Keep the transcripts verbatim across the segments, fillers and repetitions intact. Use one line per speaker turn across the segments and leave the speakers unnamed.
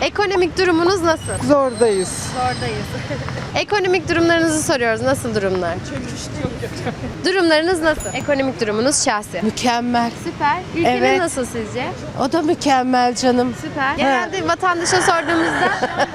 Ekonomik durumunuz nasıl?
Zordayız.
Zordayız. Ekonomik durumlarınızı soruyoruz. Nasıl durumlar? Durumlarınız nasıl? Ekonomik durumunuz şahsi.
Mükemmel.
Süper. Ülkenin
Evet.
nasıl sizce?
O da mükemmel canım.
Süper. Genelde vatandaşa sorduğumuzda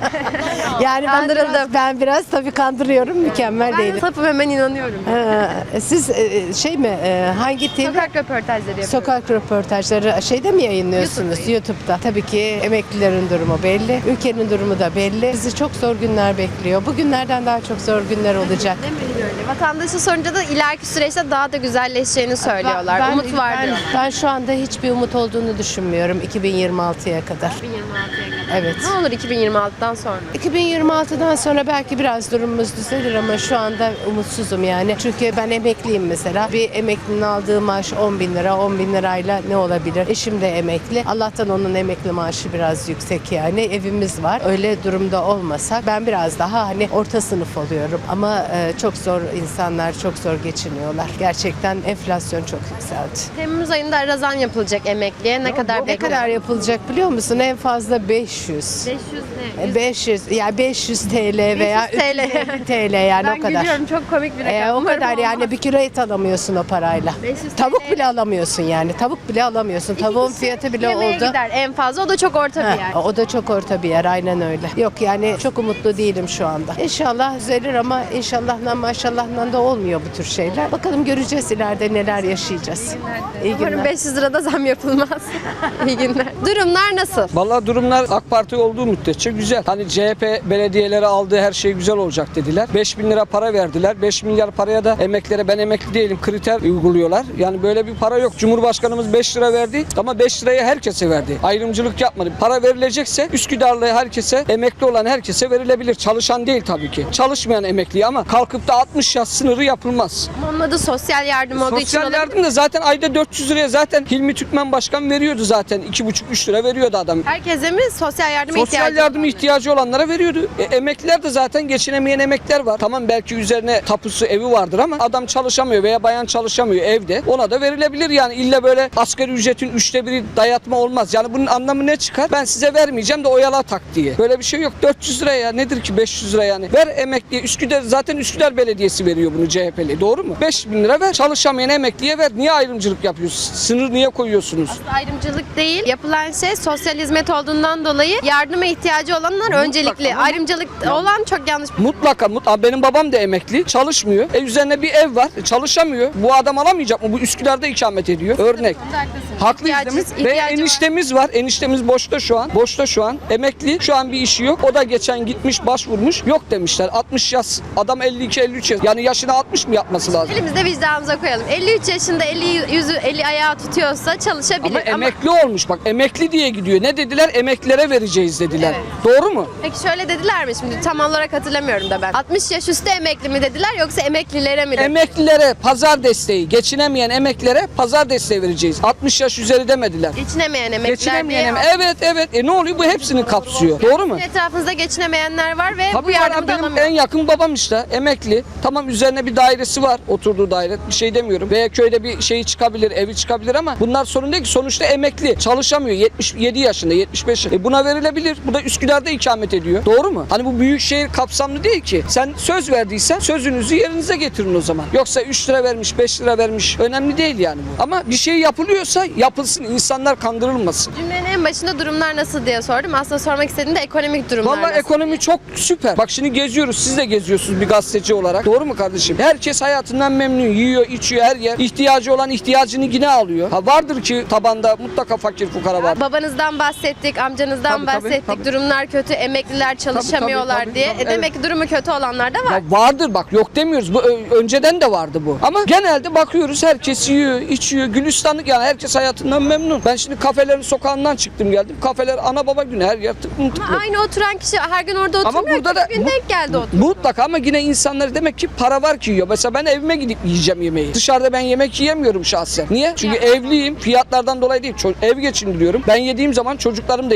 Yani ben
Kandırıldım.
biraz, ben biraz tabii kandırıyorum. Mükemmel
ben
değilim.
sapım hemen inanıyorum.
Ha, siz e, şey mi e, hangi T V?
Sokak röportajları yapıyoruz.
Sokak röportajları şeyde mi yayınlıyorsunuz?
YouTube.
YouTube'da. Tabii ki emeklilerin durumu belli. Ülkenin durumu da belli. Bizi çok zor günler bekliyor. Bugünlerden daha çok zor günler olacak.
Değil mi? Öyle. Vatandaşa sorunca da ileriki süreçte daha da güzelleşeceğini söylüyorlar.
Ben-
Umut var
ben,
diyor.
ben şu anda hiçbir umut olduğunu düşünmüyorum iki bin yirmi altıya kadar.
iki bin yirmi altıya kadar.
Evet.
Ne olur iki bin yirmi altıdan sonra?
iki bin yirmi altıdan sonra belki biraz durumumuz düzelir ama şu anda umutsuzum yani. Çünkü ben emekliyim mesela. Bir emeklinin aldığı maaş on bin lira. on bin lirayla ne olabilir? Eşim de emekli. Allah'tan onun emekli maaşı biraz yüksek yani. Evimiz var. Öyle durumda olmasak ben biraz daha hani orta sınıf oluyorum. Ama e, çok zor insanlar çok zor geçiniyorlar. Gerçekten enflasyon çok yükseldi.
Temmuz ayında razan yapılacak emekliye. Ne kadar
Ne
bekliyorsun?
kadar yapılacak biliyor musun? En fazla beş yüz.
beş yüz ne? Yüz-
beş yüz yani beş yüz T L veya
beş yüz T L.
üç yüz elli T L yani
Ben
o kadar.
gülüyorum, çok komik bir rakam.
Ee, o
Umarım
kadar yani
olmaz.
bir kilo et alamıyorsun o parayla.
beş yüz
Tavuk
T L.
bile alamıyorsun yani. Tavuk bile alamıyorsun. Tavuğun
kişi
fiyatı bile
yemeğe
oldu.
gider en fazla. O da çok orta bir yer.
Heh, o da çok orta bir yer aynen öyle. Yok yani çok umutlu değilim şu anda. İnşallah düzelir ama inşallahla maşallahla da olmuyor bu tür şeyler. Bakalım göreceğiz ileride neler yaşayacağız. İyi
Umarım
günler.
beş yüz lirada zam yapılmaz. İyi günler. Durumlar nasıl?
Vallahi durumlar AK Parti olduğu müddetçe güzel. Hani C H P belediyeleri aldığı her şey güzel olacak dediler. beş bin lira para verdiler. beş milyar paraya da emeklere ben emekli değilim kriter uyguluyorlar. Yani böyle bir para yok. Cumhurbaşkanımız beş lira verdi ama beş lirayı herkese verdi. Ayrımcılık yapmadı. Para verilecekse Üsküdarlı herkese, emekli olan herkese verilebilir. Çalışan değil tabii ki. Çalışmayan emekli ama kalkıp da altmış yaş sınırı yapılmaz.
Ama onun adı sosyal yardım olduğu için
Sosyal
olabilir.
yardım da zaten ayda dört yüz liraya zaten Hilmi Türkmen Başkan veriyordu zaten. iki buçuk üç lira veriyordu adam.
Herkese mi sosyal yardıma
Sosyal
ihtiyacı
yardıma
olanlar?
ihtiyacı olanlara veriyordu. E, emekliler de zaten geçinemeyen emekliler var. Tamam belki üzerine tapusu evi vardır ama adam çalışamıyor veya bayan çalışamıyor evde. Ona da verilebilir yani. İlla böyle asgari ücretin üçte biri dayatma olmaz. Yani bunun anlamı ne çıkar? Ben size vermeyeceğim de oyala tak diye. Böyle bir şey yok. dört yüz lira ya nedir ki beş yüz lira yani. Ver emekliye. Üsküdar zaten Üsküdar Belediyesi veriyor bunu C H P'li. Doğru mu? beş bin lira ver. Çalışamayan emekliye ver. Niye ayrımcılık yapıyorsunuz? Sınır niye koyuyorsunuz?
Ayrımcılık değil. Yapılan şey sosyal hizmet olduğundan dolayı yardıma ihtiyacı olanlar öncelikli.
ama-
Ayrımcılık olan çok yanlış.
Mutlaka mut Aa, benim babam da emekli çalışmıyor. E üzerine bir ev var. e, Çalışamıyor. Bu adam alamayacak mı? Bu Üsküdar'da ikamet ediyor. Örnek. Haklıyız değil mi?
İhtiyacı-
Ve
ihtiyacı var.
eniştemiz var. Eniştemiz boşta şu an. Boşta şu an. Emekli. Şu an bir işi yok. O da geçen gitmiş başvurmuş. Yok demişler. altmış yaş. Adam elli iki elli üç yaş. Yani yaşına altmış mı yapması lazım?
Elimizde vicdanımıza koyalım. elli üç yaşında eli yüzü eli ayağı tutuyorsa çalışabilir.
Ama emekli olmuş bak. Emekli diye gidiyor. Ne dediler? Emeklilere vereceğiz dediler. Doğru mu?
Peki şöyle dediler mi şimdi tam olarak hatırlamıyorum da ben. altmış yaş üstü emekli mi dediler yoksa emeklilere mi dediler?
Emeklilere pazar desteği, geçinemeyen emeklilere pazar desteği vereceğiz. altmış yaş üzeri demediler.
Geçinemeyen emekliler
Geçinemeyen
diye.
em- Evet evet. E ne oluyor? Bu hepsini kapsıyor. Doğru mu?
Etrafınızda geçinemeyenler var ve
Tabii
bu yardımı
var,
da
benim
alamıyor.
en yakın babam işte emekli. Tamam üzerine bir dairesi var. Oturduğu daire. Bir şey demiyorum. Veya köyde bir şeyi çıkabilir, evi çıkabilir ama bunlar sorun değil ki. Sonuçta emekli. Çalışamıyor. yetmiş yedi yaşında, yetmiş beş yaşında. E buna verilebilir. Bu da Üsküdar'da ikamet ediyor. Doğru mu? Hani bu büyük şehir kapsamlı değil ki. Sen söz verdiysen sözünüzü yerinize getirin o zaman. Yoksa üç lira vermiş, beş lira vermiş. Önemli değil yani bu. Ama bir şey yapılıyorsa yapılsın. İnsanlar kandırılmasın.
Cümlenin en başında durumlar nasıl diye sordum. Aslında sormak istediğim de ekonomik durumlar
Vallahi
nasıl?
ekonomi çok süper. Bak şimdi geziyoruz. Siz de geziyorsunuz bir gazeteci olarak. Doğru mu kardeşim? Herkes hayatından memnun. Yiyor, içiyor her yer. İhtiyacı olan ihtiyacını yine alıyor. Ha vardır ki tabanda mutlaka fakir fukara var.
Babanızdan bahsettik, amcanızdan
Tabii, tabii,
bahsettik.
tabii.
Durumlar kötü, emekliler çalışamıyorlar
tabii,
diye.
tabii,
E demek ki durumu kötü olanlar da var.
Ya vardır bak yok demiyoruz. Bu ö- önceden de vardı bu. Ama genelde bakıyoruz herkes yiyor, içiyor. Gülistanlık yani herkes hayatından memnun. Ben şimdi kafelerin sokağından çıktım geldim. Kafeler ana baba günü her yer tıklım tıklım.
Ama aynı oturan kişi her gün orada
Ama
oturmuyor
burada
ki.
da
Bir gün
mu-
denk geldi oturdu.
Mutlaka ama yine insanlar demek ki para var ki yiyor. Mesela ben evime gidip yiyeceğim yemeği. Dışarıda ben yemek yiyemiyorum şahsen. Niye? Çünkü evliyim. Fiyatlardan dolayı değil. Ço- ev geçindiriyorum. Ben yediğim zaman çocuklarım da yemesi lazım.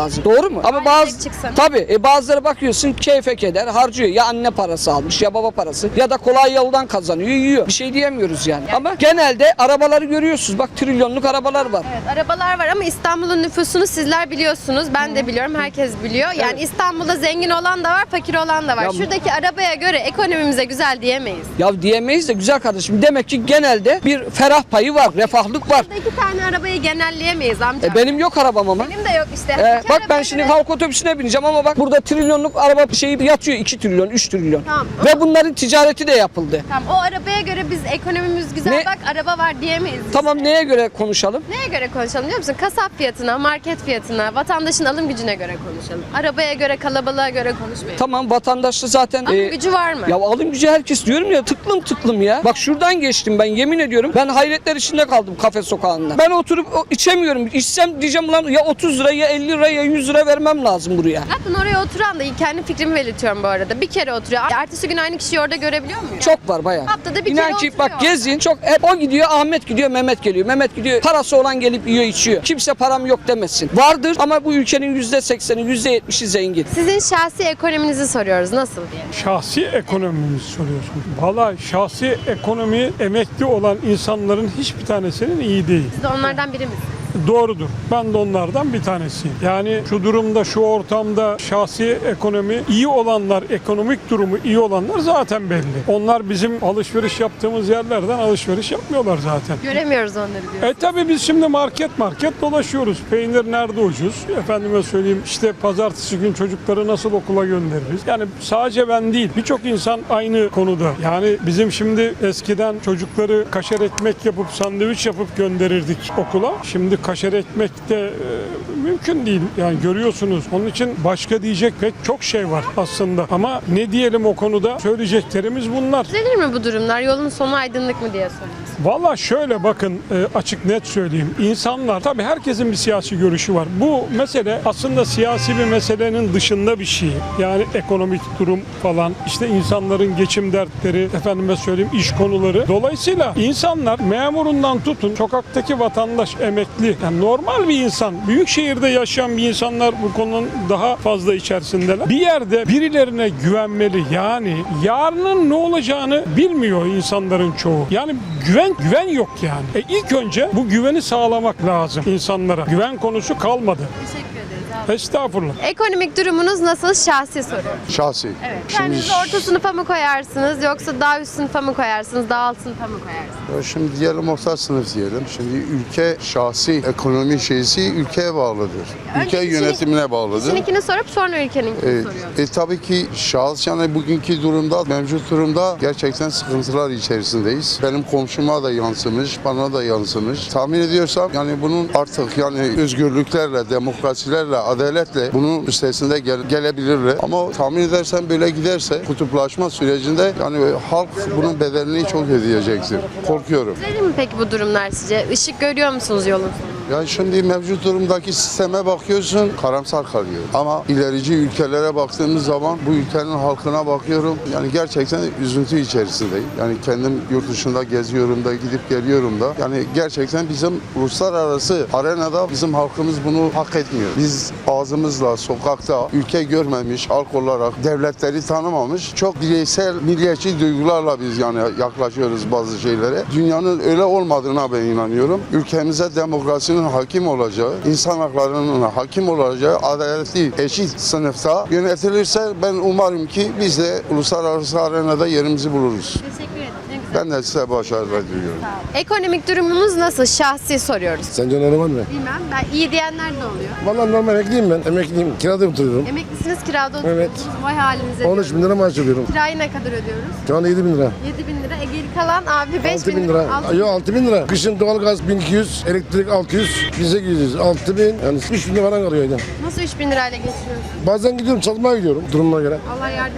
lazım. Doğru mu? Ama
Aynen,
bazı
çıksın.
tabii e, bazıları bakıyorsun keyfe keder harcıyor. Ya anne parası almış ya baba parası ya da kolay yoldan kazanıyor, yiyor. Bir şey diyemiyoruz yani. Ama genelde arabaları görüyorsunuz. Bak trilyonluk arabalar var.
Evet, arabalar var ama İstanbul'un nüfusunu sizler biliyorsunuz. Ben de biliyorum. Herkes biliyor. Yani İstanbul'da zengin olan da var, fakir olan da var.
Ya-
Şuradaki arabaya göre ekonomimize güzel diyemeyiz.
Ya diyemeyiz de güzel kardeşim. Demek ki genelde bir ferah payı var, refahlık var.
Burada iki tane arabayı genelleyemeyiz amca.
E, benim yok arabam ama.
Benim de yok işte.
E,
İki
bak ben
arabaya
şimdi
göre-
halk otobüsüne bineceğim ama bak burada trilyonluk araba şeyi yatıyor iki trilyon, üç trilyon.
Tamam.
Ve bunların ticareti de yapıldı.
Tamam, o arabaya göre biz ekonomimiz güzel
Ne-
bak araba var diyemeyiz. biz.
Tamam neye göre konuşalım?
Neye göre konuşalım biliyor musun? Kasap fiyatına, market fiyatına, vatandaşın alım gücüne göre konuşalım. Arabaya göre, kalabalığa göre konuşmayalım.
Tamam vatandaşta zaten
Alım
e,
gücü var mı?
ya alım gücü herkes diyorum ya tıklım tıklım ya. Bak şuradan geçtim ben yemin ediyorum. Ben hayretler içinde kaldım kafe sokağında. Ben oturup o- içemiyorum. İçsem diyeceğim lan ya otuz lira ya elli lira ya yüz lira vermem lazım buraya.
Zaten oraya oturan da kendi fikrimi belirtiyorum bu arada. Bir kere oturuyor. Ertesi gün aynı kişiyi orada görebiliyor muyum?
Çok var bayağı.
Haftada bir
İnan
kere
ki
oturuyor
bak gezin çok hep o gidiyor Ahmet gidiyor Mehmet geliyor. Mehmet gidiyor parası olan gelip yiyor içiyor. Kimse param yok demesin. Vardır ama bu ülkenin yüzde sekseni yüzde yetmişi zengin.
Sizin şahsi ekonominizi soruyoruz. Nasıl diye.
Şahsi ekonomimizi soruyorsun. Valla şahsi ekonomi emekli olan insanların hiçbir tanesinin iyi değil.
Siz de onlardan biri misiniz?
Doğrudur. Ben de onlardan bir tanesiyim. Yani şu durumda, şu ortamda şahsi ekonomi iyi olanlar, ekonomik durumu iyi olanlar zaten belli. Onlar bizim alışveriş yaptığımız yerlerden alışveriş yapmıyorlar zaten.
Göremiyoruz onları diyor.
E tabi biz şimdi market market dolaşıyoruz. Peynir nerede ucuz? Efendime söyleyeyim işte pazartesi gün çocukları nasıl okula göndeririz? Yani sadece ben değil birçok insan aynı konuda. Yani bizim şimdi eskiden çocukları kaşar ekmek yapıp sandviç yapıp gönderirdik okula. Şimdi kaşar ekmek de e, mümkün değil. Yani görüyorsunuz. Onun için başka diyecek pek çok şey var aslında. Ama ne diyelim o konuda? Söyleyeceklerimiz bunlar.
Düzelir mi bu durumlar? Yolun sonu aydınlık mı diye soruyoruz.
Valla şöyle bakın e, açık net söyleyeyim. İnsanlar tabii herkesin bir siyasi görüşü var. Bu mesele aslında siyasi bir meselenin dışında bir şey. Yani ekonomik durum falan işte insanların geçim dertleri efendime söyleyeyim iş konuları. Dolayısıyla insanlar memurundan tutun sokaktaki vatandaş emekli yani normal bir insan büyük şehirde yaşayan bir insanlar bu konunun daha fazla içerisindeler. Bir yerde birilerine güvenmeli yani yarının ne olacağını bilmiyor insanların çoğu. Yani güven güven yok yani. E ilk önce bu güveni sağlamak lazım insanlara. Güven konusu kalmadı.
Teşekkür ederiz abi.
Estağfurullah.
Ekonomik durumunuz nasıl? Şahsi soruyorum.
Şahsi.
Evet.
Şimdi,
Kendinizi orta sınıfa mı koyarsınız yoksa daha üst sınıfa mı koyarsınız, daha alt sınıfa mı koyarsınız?
şimdi diyelim orta sınıf diyelim. Şimdi ülke şahsi ekonomi şeysi ülkeye bağlıdır. Ülke
Önce kişinin-
yönetimine bağlıdır.
Kişininkini sorup sonra ülkeninkini
E,
soruyorum.
e, tabii ki şahıs yani bugünkü durumda, mevcut durumda gerçekten sıkıntılar içerisindeyiz. Benim komşuma da yansımış, bana da yansımış. Tahmin ediyorsam yani bunun artık yani özgürlüklerle, demokrasilerle, adaletle bunun üstesinde gel- gelebilirler. Ama tahmin edersem böyle giderse kutuplaşma sürecinde yani halk bunun bedelini çok ödeyecektir. Korkuyorum.
Düzelir mi peki bu durumlar sizce? Işık görüyor musunuz yolun sonunda?
Ya şimdi mevcut durumdaki sisteme bakıyorsun karamsar kalıyor. Ama ilerici ülkelere baktığımız zaman bu ülkenin halkına bakıyorum. Yani gerçekten üzüntü içerisindeyim. Yani kendim yurt dışında geziyorum da gidip geliyorum da. Yani gerçekten bizim uluslararası arenada bizim halkımız bunu hak etmiyor. Biz ağzımızla sokakta ülke görmemiş halk olarak devletleri tanımamış çok bireysel milliyetçi duygularla biz yani yaklaşıyoruz bazı şeylere. Dünyanın öyle olmadığına ben inanıyorum. Ülkemize demokrasinin hakim olacağı, insan haklarının hakim olacağı adaletli, eşit sınıfta yönetilirse ben umarım ki biz de uluslararası arenada yerimizi buluruz.
Teşekkür ederim. Ne güzel.
Ben de size başarılar diliyorum.
Ekonomik durumunuz nasıl? Şahsi soruyoruz.
Sence normal mi?
Bilmem. Ben iyi diyenler de oluyor.
Vallahi normal emekliyim ben. Emekliyim. Kirada oturuyorum.
Emeklisiniz, kirada
Evet.
oturuyorsunuz. Vay halinize
on üç bin
diyorum.
lira maaş alıyorum.
Kirayı ne kadar ödüyoruz?
Şu anda yedi bin lira.
yedi bin lira. E geri kalan abi beş
altı bin lira.
altı bin
Yok altı bin lira. Kışın doğalgaz bin iki yüz, elektrik altı yüz, bin sekiz yüz, altı bin. Yani üç bin lira falan kalıyor ayda.
Nasıl üç bin lirayla geçiriyorsunuz?
Bazen gidiyorum çalışmaya gidiyorum durumuna göre.
Allah yardımcınız olsun.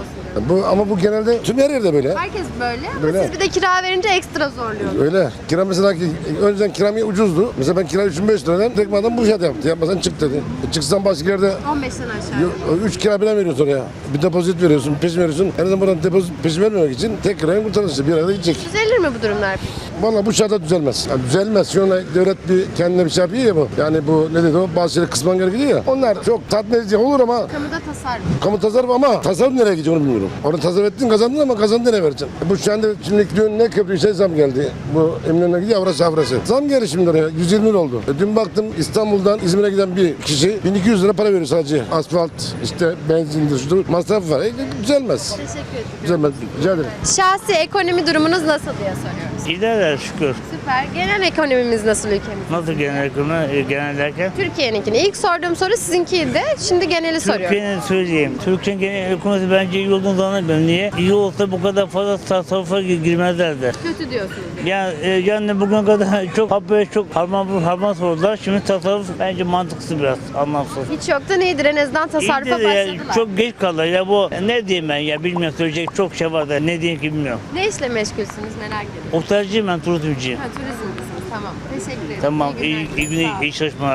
olsun.
Bu ama bu genelde tüm her yerde böyle.
Herkes böyle ama
Böyle.
siz bir de kira verince ekstra zorluyorsunuz.
Öyle. Kira mesela ki önceden kiram ucuzdu. Mesela ben kira üç bin beş yüz liradan tek adam bu fiyat yaptı. Yapmasan çık dedi. E çıksan başka yerde
on beşten aşağı.
üç kira bile veriyorsun oraya. Bir depozit veriyorsun, peşin veriyorsun. En azından buradan depozit peşin vermemek için tek kirayı kurtarırsın. Bir arada gidecek.
Düzelir mi bu durumlar peki?
Vallahi bu şartta düzelmez. Yani düzelmez. Şu anda devlet bir kendine bir şey yapıyor ya bu. Yani bu ne dedi o? Bazı şeyleri kısman gerekiyor ya. Onlar çok tatmin edici olur ama
Kamuda tasarruf.
kamu tasarruf ama tasarruf nereye gidiyor onu bilmiyorum. Orada tasarruf ettin kazandın ama kazandın nereye vereceksin? E bu şu anda şimdi dün ne köprüyse zam geldi. Bu Eminönü'ne gidiyor Avrasya Avrasya. Zam geldi şimdi oraya. yüz yirmi lira oldu. E dün baktım İstanbul'dan İzmir'e giden bir kişi bin iki yüz lira para veriyor sadece. Asfalt, işte benzindir, şudur. Masraf var. E, düzelmez.
Teşekkür ederim.
Düzelmez. Rica ederim.
Şahsi ekonomi durumunuz nasıl diye soruyoruz.
İdealer şükür.
Süper. Genel ekonomimiz nasıl ülkemizde?
Nasıl genel ekonomi, genel derken?
Türkiye'ninkini. İlk sorduğum soru sizinkiydi. Şimdi geneli soruyorum.
Türkiye'nin söyleyeyim. Türkiye'nin genel ekonomisi bence iyi olduğunu zannetmiyorum. Niye? İyi olsa bu kadar fazla tasarrufa girmezlerdi.
Kötü diyorsunuz.
Yani, e, yani bugüne kadar çok habere çok harman harman sordular. Şimdi tasarruf bence mantıksız biraz, anlamsız.
Hiç yoktan iyidir. En azından tasarrufa
İyidir ya,
başladılar.
çok geç kaldı ya bu. Ne diyeyim ben ya bilmiyorum söyleyecek çok şey var da ne diyeyim ki bilmiyorum.
Ne işle meşgulsünüz merak ediyorum.
Otelciyim ben turizmciyim.
Ha, turizmcisiniz. Tamam. Teşekkür ederim.
Tamam
İyi
iyi,
günler.
iyi,
Sağ
iyi,
olun.
iyi çalışmalar.